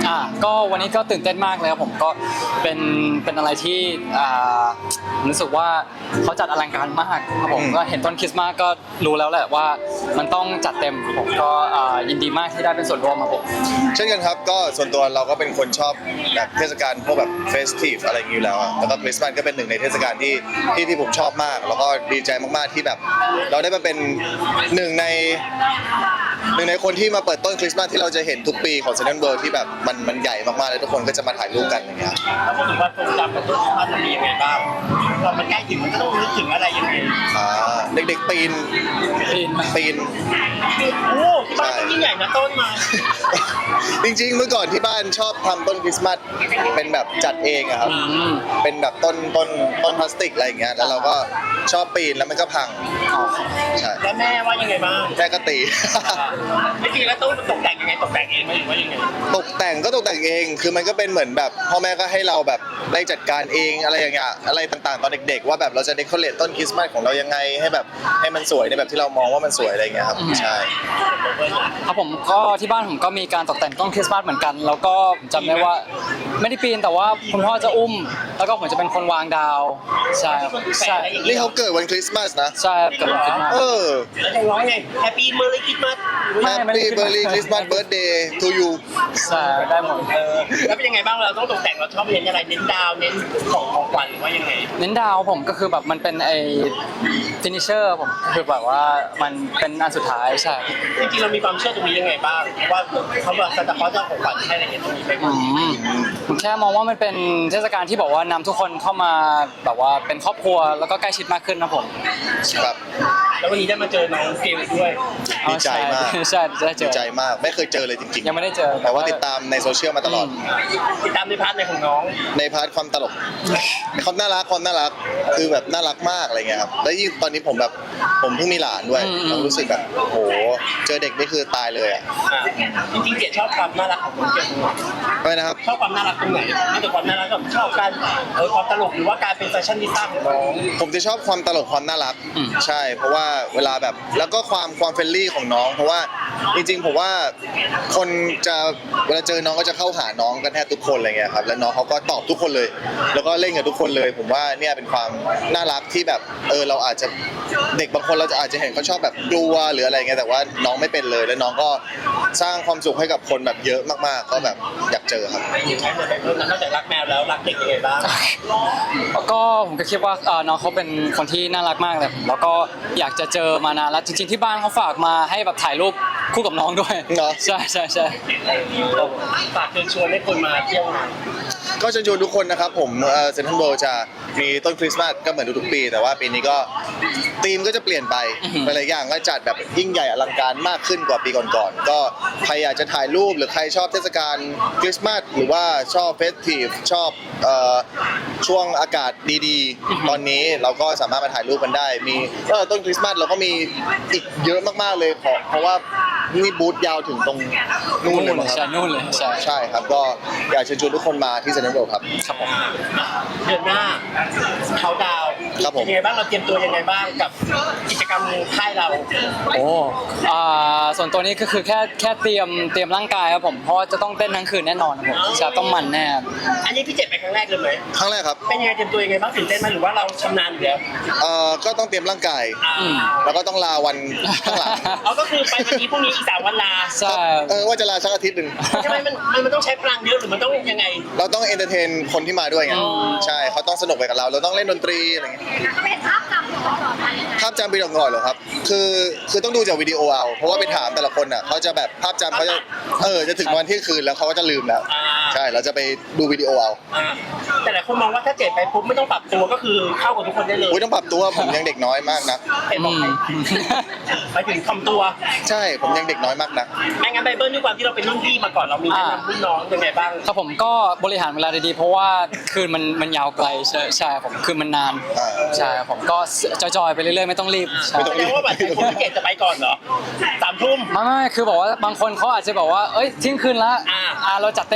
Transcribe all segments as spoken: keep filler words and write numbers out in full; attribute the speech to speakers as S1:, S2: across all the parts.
S1: อ่าก็วันนี้ก็ตื่นเต้นมากเลยครับผมก็เป็นเป็นอะไรที่อ่ารู้สึกว่าเขาจัดอลังการมากครับผมก็เห็นต้นคริสต์มาสก็รู้แล้วแหละว่ามันต้องจัดเต็มผมก็อ่ายินดีมากที่ได้เป็นส่วนร่วมครับผม
S2: เช่นกันครับก็ส่วนตัวเราก็เป็นคนชอบแบบเทศกาลพวกแบบเฟสทีฟอะไรอย่างนี้อยู่แล้วอะแล้วก็คริสต์มาสก็เป็นหนึ่งในเทศกาลที่ที่ที่ผมชอบมากแล้วก็ดีใจมากๆที่แบบเราได้มาเป็นหนึ่งในหนึ่งในคนที่มาเปิดต้นคริสต์มาสที่เราจะเห็นทุกปีของเซนต์เวิลด์ที่แบบมันมันใหญ่มากๆเลยทุกคนก็จะมาถ่ายรูปกันอย่างเงี้ย
S3: ถ้าพูดถึงว่าทรงจำกับต้นคริสต์มาสมันมียังไงบ้างตอนมันใกล้ถึงมันก็ต้องนึกถึงอะไรยังไง
S2: อ่าเด็กๆปีน
S1: ปีน
S2: ปีน
S3: โอ้ที่บ้านต้องยิ่งใหญ่นะต้นมา
S2: จริงๆเมื่อก่อนที่บ้านชอบทำต้นคริสต์มาสเป็นแบบจัดเองอะครับเป็นแบบต้นต้นต้นพลาสติกอะไรอย่างเงี้ยแล้วเราก็ชอบปีนแล้วมันก็พังใช่
S3: แล้วแม่ว่ายังไงบ้าง
S2: แม่ก็ตี
S3: ไม่จริงแล้วต้นตกแต่งยังไงตกแต่งเองไหมหรือว่ายังไง
S2: ตกแต่งก็ตกแต่งเองคือมันก็เป็นเหมือนแบบพ่อแม่ก็ให้เราแบบได้จัดการเองอะไรอย่างเงี้ยอะไรต่างๆตอนเด็กๆว่าแบบเราจะเดคอเรทต้นคริสต์มาสของเรายังไงให้แบบให้มันสวยในแบบที่เรามองว่ามันสวยอะไรอย่างเงี้ยครับใช่
S1: ครับผมก็ที่บ้านผมก็มีการตกแต่งต้นคริสต์มาสเหมือนกันแล้วก็จำได้ว่าไม่ได้ปีนแต่ว่าคุณพ่อจะอุ้มแล้วก็ผมจะเป็นคนวางดาวใช่ใช่
S2: นี่เขาเกิดวันคริสต์มาสนะ
S1: ใช่เกิดวันคริสต์มาส
S2: เออ
S3: แล้วจะร้องไงแฮปปี้เมอร์รี่คริสต์มาส
S2: แฮปปี้เบอร์รี่คริสต์มาสเบิร์ธเดย์ทูยู
S1: ใช่ได้หมด
S3: เออแล้วเป็นยังไงบ้างเราต้องตกแต่งเราชอบเน้นอะไรเน้นดาวเน้นของของขวัญหรือว่ายังไง
S1: เน้นดาวผมก็คือแบบมันเป็นไอ้ฟินิชเชอร์ผมคือแบบว่ามันเป็นอันสุดท้ายใช่
S3: จริงๆเรามีความเชื่อตรงนี้ยังไงบ้างว่าเขาแบบซานตาคลอสจะของขวัญให้อะไรอย่างเงี้ยตรงนี้ไปบ้าง
S1: ผมแค่มองว่ามันเป็นเทศกาลที่บอกว่านำทุกคนเข้ามาแบบว่าเป็นครอบครัวแล้วก็ใกล้ชิดมากขึ้นนะผม
S2: ครับ
S3: แล้ววันนี้ได้มาเจอน้องเกลด้วย
S2: ดีใจมาก
S1: ใช่ได้เจอ
S2: ดีใจมากไม่เคยเจอเลยจริงๆ
S1: ยังไม่ได้เจอ
S2: แต่ว่าติดตามในโซเชียลมาตลอด
S3: ติดตามในพาร์ทในของน้อง
S2: ในพาร์ทความตลกความน่ารักความน่ารักคือแบบน่ารักมากอะไรเงี้ยครับแล้วยิ่งตอนนี้ผมแบบผมเพิ่งมีหลานด้วยเรารู้สึกแบบโอ้โหเจอเด็กนี่คือตายเลยอ่ะ
S3: จริงๆเกดชอบความน่ารักของน้องเกด
S2: อะไรนะครับ
S3: ชอบความน่ารักตรงไหนนอกจากความน่ารักก็ชอบการเออความตลกหรือว่าการเป็นแฟชั่นนิสต้าของน้อง
S2: ผมจะชอบความตลกความน่ารักใช่เพราะว่าเวลาแบบแล้วก็ความความเฟรนลี่ของน้องเพราะว่าจริงๆผมว่าคนจะเวลาเจอน้องก็จะเข้าหาน้องกันแทบทุกคนอะไรเงี้ยครับแล้วน้องเขาก็ตอบทุกคนเลยแล้วก็เล่นกับทุกคนเลยผมว่าเนี่ยเป็นความน่ารักที่แบบเออเราอาจจะเด็กบางคนเราจะอาจจะเห็นเขาชอบแบบกลัวหรืออะไรเงี้ยแต่ว่าน้องไม่เป็นเลยแล้วน้องก็สร้างความสุขให้กับคนแบบเยอะมากๆก็แบบอยากเจอครับ
S3: นอกจากรักแมวแล้วรักเด็กยังไงบ้าง
S1: ก็ผมก็คิดว่าน้องเขาเป็นคนที่น่ารักมากเลยแล้วก็อยากจะเจอมานานแล้วจริงๆที่บ้านเขาฝากมาให้แบบถ่ายรูปคู่กับน้องด้วย
S2: เนาะ
S1: ใช่ใช่ใช่
S3: ฝากเชิญชวนให้คนมาเที่ยว
S2: ก็เชิญชวนทุกคนนะครับผมเซ็นทรัลเวิลด์จะมีต้นคริสต์มาสก็เหมือนทุกๆปีแต่ว่าปีนี้ก็ธีมก็จะเปลี่ยนไปหลายๆอย่างก็จัดแบบยิ่งใหญ่อลังการมากขึ้นกว่าปีก่อนๆก็ใครอยากจะถ่ายรูปหรือใครชอบเทศกาลคริสต์มาสหรือว่าชอบเฟสทีฟชอบช่วงอากาศดีๆตอนนี้เราก็สามารถมาถ่ายรูปกันได้มีต้นคริสต์มาสเราก็มีอีกเยอะมากๆเลยเพราะว่านี่บูธยาวถึงตรงนู่นเลยครับ
S1: ใช่นู่นเลยใช่
S2: ใช่ครับก็อยากเชิญชวนทุกคนมาที่เซ็นทรัลเวิลด์ครับ
S1: ครับผม
S3: เดือนหน้าเขาดาวเป็นยังไงบ้างเราเตรียมตัวยังไงบ้างกับกิจกรรมค่ายเรา
S1: โอ้อ่าส่วนตัวนี้ก็คือแค่แค่เตรียมเตรียมร่างกายครับผมเพราะจะต้องเต้นทั้งคืนแน่นอนครับผมจะต้องมันแน่
S3: อันนี้พี่เจ็ดไปครั้งแรกเลยไหม
S2: ครั้งแรกครับ
S3: เป็นยังไงเตรียมตัวยังไงบ้างตื่นเต้นไหมหรือว่าเราชำนาญอยู่แล้ว
S2: เอ่อก็ต้องเตรียมร่างกายแล้วก็ต้องลาวันข้างหลัง
S3: อ๋อก็คือไปวันนี้พรุ่งนี้อีกสามวันลา
S1: ใช่
S2: เออว่าจะลาสักอาทิตย์หนึ่ง
S3: ทำไมมันมันต้องใช้พลังเยอะหรือมันต้องยังไง
S2: เราต้องเอนเตอร์เทนคนที่มาด้วยไงใช่เขาต้องสนุกไปกับเราเราต้องเล่นดนตรีอะไรเงี้ย
S4: ไม่เห็นภาพจำของเราต่อไป
S2: ภาพจำปีก่อนๆหรอครับคือคือต้องดูจากวิดีโอเอาเพราะว่าไปถามแต่ละคนอ่ะเขาจะแบบภาพจำเขาจะเออจะถึงวันที่คืนแล้วเขาก็จะลืมแล้วใช่เราจะไปดูวิดีโอเอา
S3: แต่หลายคนมองว่าถ้าเจ็ดไปปุ๊บไม่ต้องปรับตัวก็คือเข้ากับทุกคนได้เลย
S2: อุ้ยต้องปรับตัวผมยังเด็กน้อยมากนะ
S3: ไปถึงทำตัว
S2: ใช่ผมยังเด็กน้อยมากนะ
S3: ไม่งั้นไบเบิลด้วยความที่เราเป็นรุ่นพี่มาก่อนเรามีแนะนำรุ่นน้องยังไงบ้าง
S1: ครับผมก็บริหารเวลาดีๆเพราะว่าคืนมันมันยาวไกลใช่ใช่ผมคืนมันนานใช่ผมก็จอยๆไปเรื่อยๆไม่ต้องรีบ
S3: ไม่ต้องรีบว่าแบบคนที่เกตจะไปก่อนเหรอสามทุ่ม
S1: ไม่ไม่คือบอกว่าบางคนเขาอาจจะบอกว่าเอ้ยทิ้งคืนละอ่าเราจัดเต็มได้แต่ว่า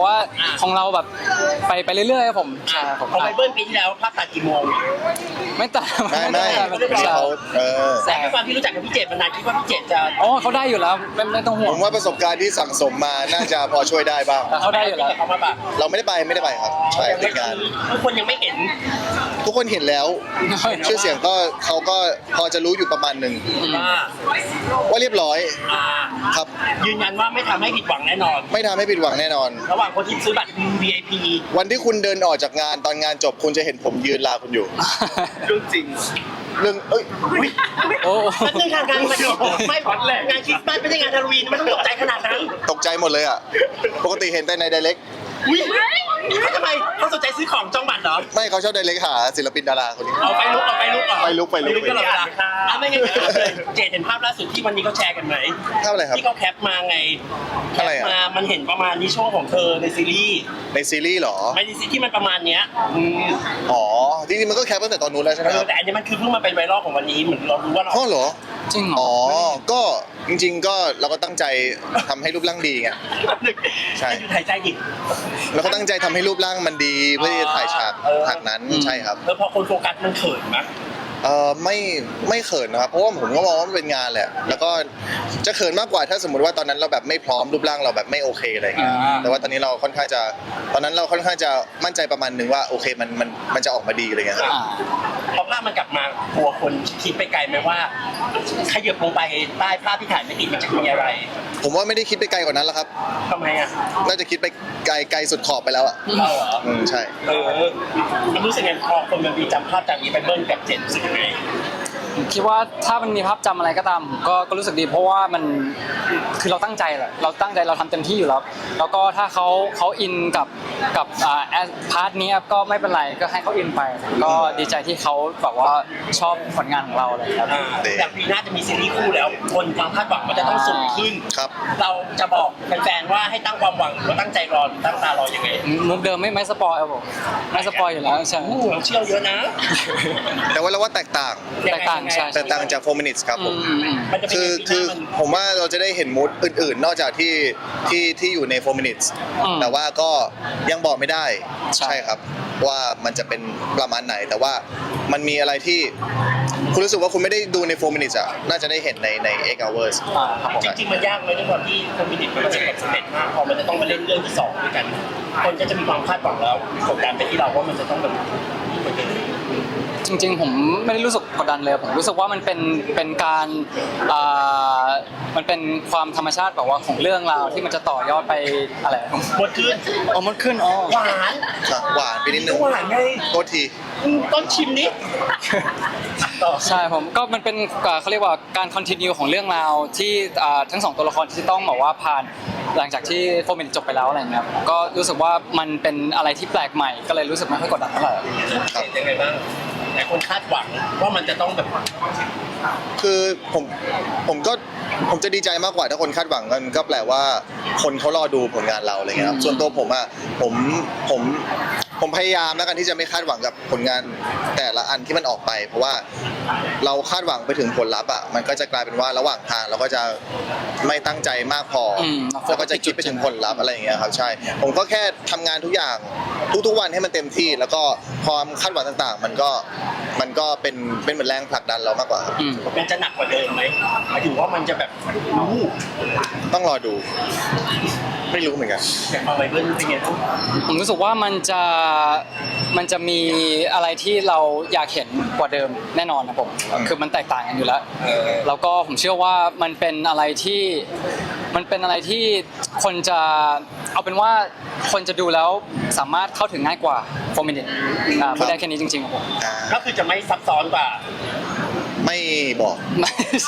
S1: ว่าของเราแบบไปไปเรื่อยๆครับผมใช่ผม
S3: ของไบเบิลปีที่แล้วภาพตัดกี่โมง
S1: ไม่ตัด
S2: ไม่ไม่
S1: ไม่ตัด
S2: เขาเออ
S3: แต่ด้วยความที่รู้จักกับพี่เจตมานานคิดว่าพี่เจตจะ
S1: อ๋อเขาได้อยู่แล้วไม่ไม่ต้องห่ว
S2: ผ
S1: ง
S2: มว่าประสบการณ์ที่สั่งสมมาน่าจะพอช่วยได้บ้าง
S1: แต่เขาได้อยู่แล้ว
S3: เขามาแบบ
S2: เราไม่ได้ไปไม่ได้ไปครับใช่
S3: ยัง
S2: ติ
S3: ไม่
S2: ดงาน
S3: ทุกคนยังไม่เห็น
S2: ทุกคนเห็นแล้ว ชื่อเสียงก็เขาก็พอจะรู้อยู่ประมาณหนึ่ง
S3: ว่า
S2: ว่าเรียบร้อย
S3: อ่า
S2: ครับ
S3: ยืนยันว่าไม่ทำให้ผิดหวังแน่นอน
S2: ไม่ทำให้ผิดหวังแน่นอน
S3: ระหว่างคนที่ซื้อบัตร วี ไอ พี
S2: วันที่คุณเดินออกจากงานตอนงานจบคุณจะเห็นผมยืนลาคุณอยู่
S3: เรื่องจริง
S2: เรื่องเอ้ย
S1: โอ้
S3: มันเป็นการงานมันไม่พอดแหละงานคริสต์มาสไม่ใช่งานฮาโลวีนมันต้องตกใจขนาดนั้น
S2: ตกใจหมดเลยอ่ะปกติเห็นแต่ในไดเรก
S3: อุ้ยทำไมเขาสนใจซื้อของจองบัตรเหรอ
S2: ไม่เขาชอบไดเรกหาศิลปินดาราคนนี้
S3: เอาไปลุกเอาไปลุกก่อน
S2: ไปลุกไปลุก
S3: ตลอดเวลาอ่ะไม่งั้นเดี๋ยวเลยเจดเห็นภาพล่าสุดที่วันนี้เขาแชร์กันไหม
S2: ภาพอะไรครับ
S3: ที่เขาแคปมาไงแค
S2: อะไร
S3: ป
S2: อ่ะ
S3: มามันเห็นประมาณนี้โชว์ของเธอในซีรีส์
S2: ในซีรีส์เหรอ
S3: ไม่ในซีรีส์ที่มันประมาณเนี้ยอืม
S2: อ๋อจริงๆมันก็แคปตั้งแต่ตอนนู้นแล้วใช่ไหม
S3: เอ
S2: ค
S3: อ
S2: รับ
S3: แต่อันนี้มันคือเพิ่งมาเป็นไวรัลของวันนี้เหมือนเรารู้ว่าเรา
S2: อ๋อเหรอ
S1: จริงเหรอ
S2: อ๋อ ก็จริงๆ ก็เราก็ตั้งใจทำให้รูปร่างดีไง ใช่
S3: หยุดหายใจดิ
S2: เราก็ตั้งใจทำให้รูปร่างมันดีเพื่อที่จะถ่ายฉาก
S3: เออ
S2: ฉากนั้นใช่ครับ
S3: แล้วพอคนโฟกัสมันเขินไหม
S2: เออไม่ไม่เขินนะครับเพราะว่าผมก็มองว่ามันเป็นงานแหละ แล้วก็จะเขินมากกว่าถ้าสมมติว่าตอนนั้นเราแบบไม่พร้อมรูปร่างเราแบบไม่โอเคอะไรเงี้ย
S1: อ่า
S2: แต่ว่าตอนนี้เราค่อนข้างจะตอนนั้นเราค่อนข้างจะมั่นใจประมาณนึงว่าโอเคมันมันมันจะออกมาดีอะไรเงี้ยครับ
S1: อ่า
S3: พอภาพมันกลับมากลัวคนคิดไปไกลไหมว่าขยับลงไปใต้ภาพที่ถ่ายไม่ติดมันจะมีอะไร
S2: ผมว่าไม่ได้คิดไปไกลกว่านั้นแล้วครับ
S3: ทำไมอ่ะ
S2: น่าจะคิดไปไกลไกลสุดขอบไปแล้วอ่ะ
S3: เราเหรอ
S2: อืมใช่
S3: เออมันรู้สึกไงพอคนมันมีจำภาพจากนี้ไปเบิ้ลกับเจนรู้สึกยังไง
S1: ผมคิดว่าถ้ามันมีภาพจำอะไรก็ตามก็ก็รู้สึกดีเพราะว่ามันคือเราตั้งใจแหละเราตั้งใจเราทำเต็มที่อยู่แล้ว แล้วก็ถ้าเขาเขาอินกับกับอ่าพาร์ทนี้ก็ไม่เป็นไรก็ให้เขาอินไป ก็ดีใจที่เขาแบบว่าชอบผลงานของเราเลยครับ
S3: อ่าแต่ปีหน้าจะมีซีรีส์คู่แล้ว คนความคาดหวังมันจะต้องสูงขึ้น
S2: ครับ
S3: เราจะบอกแฟนๆว่าให้ตั้งความหวังหรือว่าตั้งใจรอหรือตั้งตารอยังไง
S1: มุกเดิมไม่ไม่สปอยครับผมไม่สปอยอยู่แล้วใช่
S3: โอ้โหเราเชี่ยวเยอะนะ
S2: แต่ว่าเราว่าแตกต่าง
S1: แตกต่างใช่
S2: แตกต่างจากโฟมินิสครับผม
S1: อืม
S3: มันจะเป็น
S2: คือ
S3: ยังไง
S2: คือ
S3: ปีหน้ามัน
S2: ผมว่าเราจะได้เห็นมูดอื่นๆ นอกจากที่ที่ที่อยู่ในโฟมินิส
S1: อืม
S2: แต่ว่าก็ยังบอกไม่ได้
S1: ใช่
S2: ครับ ว่ามันจะเป็นประมาณไหน แต่ว่ามันมีอะไรที่คุณรู้สึกว่าคุณไม่ได้ดูในโฟมินิสอ่ะน่าจะได้เห็นในในเอ็กซ์เวิร์ส
S1: อ่าครับผม
S3: จริงๆมันยากเลยด้วยความที่คอมมินิตมันประสบความสำเร็จมากพอมันจะต้องมาเล่นเรื่องที่สองด้วยกัน คนก็จะมีความคาดหวังแล้วกดดันไปที่เราว่ามันจะต้องแบบยิ่งกว่าเดิม
S1: จริงๆผมไม่ได้รู้สึกกดดันเลยผมรู้สึกว่ามันเป็นเป็นการอ่ามันเป็นความธรรมชาติแบบว่าของเรื่องราวที่มันจะต่อยอดไปอะไร
S3: หมดขึ้น
S1: อ๋อมันขึ้นอ๋อ
S3: หวาน
S2: ครับหวานไปนิดนึง
S3: หวานไง
S2: โทษที
S3: อืมต้นชิมนี้ต่อ
S1: ใช่ผมก็มันเป็นอ่าเขาเรียกว่าการคอนติเนียของเรื่องราวที่อ่าทั้งสองตัวละครที่ต้องบอกว่าผ่านหลังจากที่โฟมินจบไปแล้วอะไรเงี้ยผมก็รู้สึกว่ามันเป็นอะไรที่แปลกใหม่ก็เลยรู้สึกไม่ค่อยกดดันเท่าไหร่
S2: ครับ
S3: ยังไงบ้างแต่คนคาดหวังว่ามันจะต้องแบบ
S2: คือผมผมก็ผมจะดีใจมากกว่าถ้าคนคาดหวังกันก็แปลว่าคนเขารอดูผลงานเราอะไรเงี้ยครับส่วนตัวผมอ่ะผมผมผมพยายามแล้วกันที่จะไม่คาดหวังกับผลงานแต่ละอันที่มันออกไป เพราะว่าเราคาดหวังไปถึงผลลัพธ์อ่ะมันก็จะกลายเป็นว่าระหว่างทางเราก็จะไม่ตั้งใจมากพออ
S1: ม
S2: แล้วก็จะคิดไปถึงผลลัพธ์อะไรอย่างเงี้ยครับใช่ ผมก็แค่ทำงานทุกอย่างทุกๆวันให้มันเต็มที่ แล้วก็ความคาดหวังต่างๆ มันก็มันก็เป็นเป็นเหมือนแรงผลักดันเรามากกว่าครับ
S1: อืม
S3: มันจะหนักกว่าเดิมไหมหมายถึงว่ามันจะแบบรู้
S2: ต้องรอดู ไม่รู้เหมือนกัน
S3: อย่างมาไบเบิลเป็นไงบ้าง
S1: ผมรู้สึกว่ามันจะมันจะมีอะไรที่เราอยากเห็นกว่าเดิมแน่นอนนะผม
S2: อืม
S1: คือมันแตกต่างกันอยู่แล้ว แล้วก็ผมเชื่อว่ามันเป็นอะไรที่มันเป็นอะไรที่คนจะเอาเป็นว่าคนจะดูแล้วสามารถเข้าถึงง่ายกว่าโฟมินิตพูดได้แค่นี้จริงๆครับผม
S2: อ่า
S3: ก็คือจะไม่ซับซ้อนกว่า
S2: ไม่บอก
S1: ไม่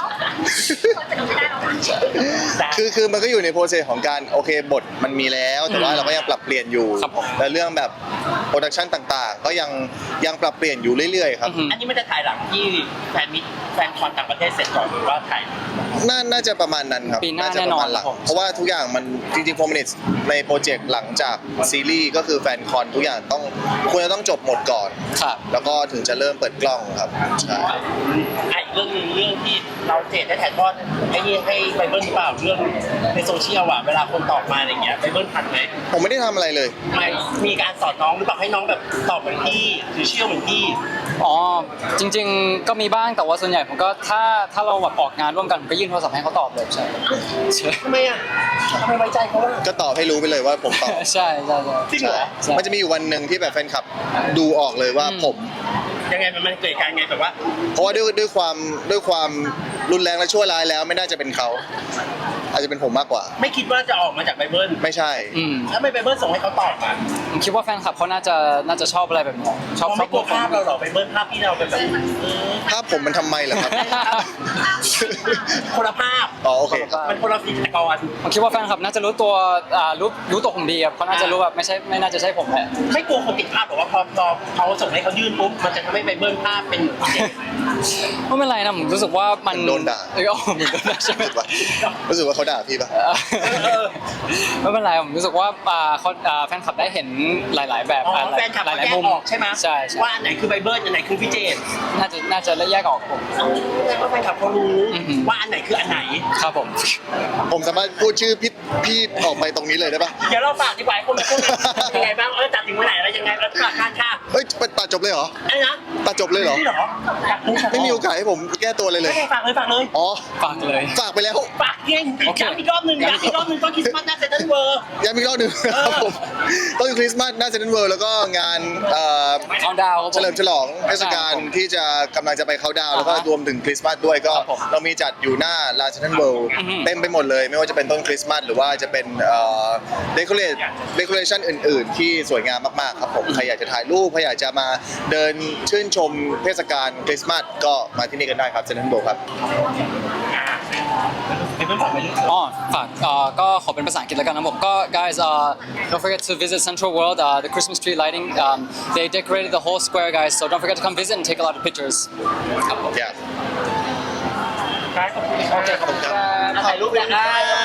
S3: แต่
S2: คือคือมันก็อยู่ในโปรเซสของการโอเคบทมันมีแล้ว แต่ว่า
S1: อืม
S2: เราก็ยังปรับเปลี่ยนอยู่
S1: ครับผม
S2: และเรื่องแบบโปรดักชันต่างๆ ก็ยังยังปรับเปลี่ยนอยู่เรื่อยๆครับ
S1: อือหือ
S3: อันนี้มันจะถ่ายหลังที่แฟนมิตแฟนคอนต่างประเทศเสร็จก่อนหรือว่าถ่าย
S2: น่าน่าจะประมาณนั้นครับ
S1: ปีหน้า
S2: จะประมาณ
S1: แน่นอน
S2: หลัง
S1: ครับผม
S2: เพราะว่าทุกอย่างมันจริงๆโฟมินิตในโปรเจกต์หลังจากซีรีส์ก็คือแฟนคอนทุกอย่างต้องควรจะต้องจบหมดก่อน
S1: ครับ
S2: แล้วก็ถึงจะเริ่มเปิดกล้องครับใช่
S3: ไอ้เรื่องหนึงเรื่องที่เราเจดได้ถ่ายทอดไอ้นี่ให้ไบเบิลหรือเปล่าเรื่องในโซเชียลอ่ะเวลาคนตอบมาอะไรเงี้ยไบเบิลทันไหม
S2: ผมไม่ได้ทำอะไรเลย
S3: ไม่มีการสอนน้องหรือเปล่าให้น้องแบบตอบเหมือนพี่หรือเชื่อเหมือนพี่
S1: อ๋อจริง ๆ ก็มีบ้างแต่ว่าส่วนใหญ่ผมก็ถ้าถ้าเราแบบออกงานร่วมกันผมก็ยื่นโทรศัพท์ให้เขาตอบเลยใช่ใช่
S3: ทำไมอ่ะทำไมไว้ใจเขาอ่ะ
S2: ก็ตอบให้รู้ไปเลยว่าผมตอบ
S1: ใช่ใช่ใช่
S3: จริงเหรอ
S1: ใช่
S2: มันจะมีอยู่วันหนึ่งที่แบบแฟนคลับดูออกเลยว่า
S1: อืม
S2: ผม
S3: ยังไงมันมันเกิดการไงแบบว่า
S2: เพราะว่าด้วยด้วยความด้วยความรุนแรงและชั่วร้ายแล้วไม่น่าจะเป็นเขา อาจจะเป็นผมมากกว่า
S3: ไม่คิดว่าจะออกมาจากไบเบิล
S2: ไม่ใช่
S1: อืม
S3: แล้วไม่ไบเบิลส่งให้เขาตอบอ่ะ
S1: ผมคิดว่าแฟนคลับเขาน่าจะน่าจะชอบอะไรแบบนี้ชอบ
S3: เขา
S1: ชอ
S3: ไม่
S1: บ
S3: กลัวภาพเราหรอไบเบิลภาพที่เราเป็นแบบเออ
S2: ภาพผมมันทำไมเหรอครับ
S3: คนละภาพ
S2: อ๋อโอเค
S3: มันคนละฟิกร
S1: ผมคิดว่าแฟนคลับน่าจะรู้ตัวอ่ารู้รู้ตัวผมดีครับเขาน่าจะรู้แบบไม่ใช่ไม่น่าจะใช่ผมแหละ
S3: ไม่กลัวคนติดภาพหรอว่าพอพอเขาส่งให้เขายื่นปุ๊บมันจะทำให้ไบเบิลภาพเป็นอย่างนี้
S1: ไม่เป็นไรนะผมรู้สึกว่ามัน
S2: มันโดนด่า
S1: เออเหมือนโดนด่าใช่ไหม
S2: รู้สึกว่ารู้สึกว่าเขาด่าพี่ปะ
S1: เออไม่เป็นไรผมรู้สึกว่าอ่าเขาอ่าแฟนคลับได้เห็นหลาย ๆ แบบ
S3: อ๋อ
S1: อ่า
S3: แฟนคลับ
S1: หลา
S3: เขา
S1: ย
S3: แย
S1: ๆมุ
S3: ก
S1: ม
S3: ออกใช่ไหม
S1: ใช่ใช่
S3: ว่าอันไหนคือไบเบิลอันไหนคือพี่เจน
S1: น่าจะน่าจะแยกออกผม
S3: แสดงว่าแฟนคลับเขารู้
S1: อือหือ
S3: ว่าอันไหนคืออันไหน
S1: ครับผม
S2: ผมสามารถพูดชื่อพี่พี่ออกไปตรงนี้เลยได้ปะ
S3: เดี๋ยวเราฝากดีกว่าให้คนมาพูดเป็นยังไงบ้างเออจัดถึงวันไหนอะไรยังไงแล้วฝากการค่ะ
S2: เฮ้ยตัดจบเลยเหรอ
S3: อะไรนะ
S2: ตัดจบเลยเหรอ
S3: นี่เหรออยากรู้
S2: ไม่มีโอกาสให้ผมแก้ตัวเลยเลย
S3: ไม่ได้ฝากเลยฝากเลย
S2: อ๋อ
S1: ฝากเลย
S2: ฝากไปแล้ว
S3: ฝากเก่ง
S1: โอเค
S3: ย้ำอีกรอบหนึ่งย้ำอีกรอบหนึ่งตอนคริสต์มาสหน้าเซ็นทรัลเวิลด์
S2: ย้ำอีกรอบหนึ่งนะครับผมต้นคริสต์มาสหน้าเซนต์เวิลด์แล้วก็งานเอ่อ
S1: เอาดาวครับผม
S2: เฉลิมฉลองเทศกาล
S1: ครับผม
S2: ที่จะกำลังจะไปเขาน์ดาวน์แล้วก็
S1: อ่าฮะ
S2: รวมถึงคริสต์มาสด้วยก็
S1: ครับผม
S2: เรามีจัดอยู่หน้าลานเซนต์เวิลด์
S1: อือฮึ
S2: เต็มไปหมดเลย ไม่ว่าจะเป็นต้นคริสต์มาสหรือว่าจะเป็นเอ่อเดคอเรทเดคอเรชันอื่น ๆ ที่สวยงามมากๆครับผมใครอยากจะถ่ายรูปใครอยากจะมาเดินชื่นชมเทศกาลคริสต์มาสก็มาที่นี่กันได้ครับเซนต์เวิลด์ครับ
S3: อ่าเป็นเพื่อนฝากไปเรื่อย
S1: อ๋อฝากเอ่อก็ขอเป็นภาษาอังกฤษแล้วกันนะผมก็ guys uh, don't forget to visit Central World uh, the Christmas tree lighting um, they decorated the whole square guys so don't forget to come visit and take a lot of pictures ครับผม
S2: Yeah
S3: ๆครับขอบคุณครับ
S1: โอเคขอบคุณครับ
S3: ถ่ายรูปแล้วนะ